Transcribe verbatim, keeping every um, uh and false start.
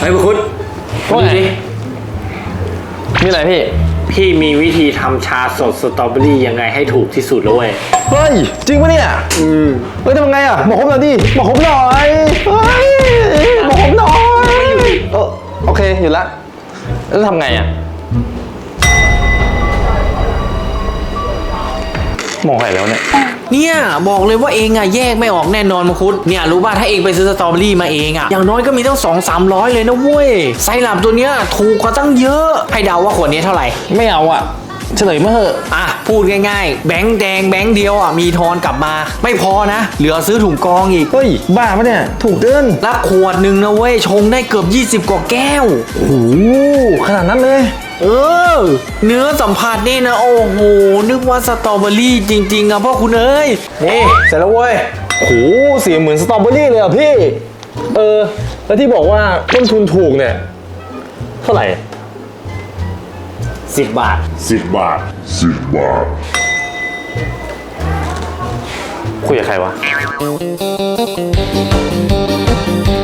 ฮ้ยบุคุณพูดดิมีอะไรพี่พี่มีวิธีทำชาสดสตรอเบอรี่ยังไงให้ถูกที่สุดแล้วเว้ยเฮ้ยจริงปะเนี่ยอืมเฮ้ยทำไงอ่ะบอกผมหน่อยดิบอกผมหน่อยเฮ้ยบอกผมหน่อยเออโอเคอยู่ละแล้วทำไงอ่ะมองใครแล้วเนี่ยเนี่ยบอกเลยว่าเองอะแยกไม่ออกแน่นอนมังคุดเนี่ยรู้ป่ะถ้าเองไปซื้อสตรอเบอรี่มาเองอะอย่างน้อยก็มีตั้งสองสามร้อยเลยนะเว้ยไซรัปตัวเนี้ยถูกกว่าตั้งเยอะให้เดาว่าขวดนี้เท่าไหร่ไม่เอาอ่ะเฉลยมาเถอะอ่ะพูดง่ายๆแบงค์แดงแบงค์เดียวอ่ะมีทอนกลับมาไม่พอนะเหลือซื้อถุงกองอีกเฮ้ยบ้าปะเนี่ยถูกเกินแล้วขวดหนึ่งนะเว้ยชงได้เกือบยี่สิบกว่าแก้วโอ้โหขนาดนั้นเลยเออเนื้อสัมผัสนี่นะโอ้โหนึกว่าสตรอเบอรี่จริงๆอ่ะพ่อคุณเอ้ยนี่เสร็จแล้วเว้ยโอ้โหเสียเหมือนสตรอเบอรี่เลยอ่ะพี่เออแล้วที่บอกว่าต้นทุนถูกเนี่ยเท่าไหร่สิบบาทสิบบาทสิบบาทคุยกับใครวะ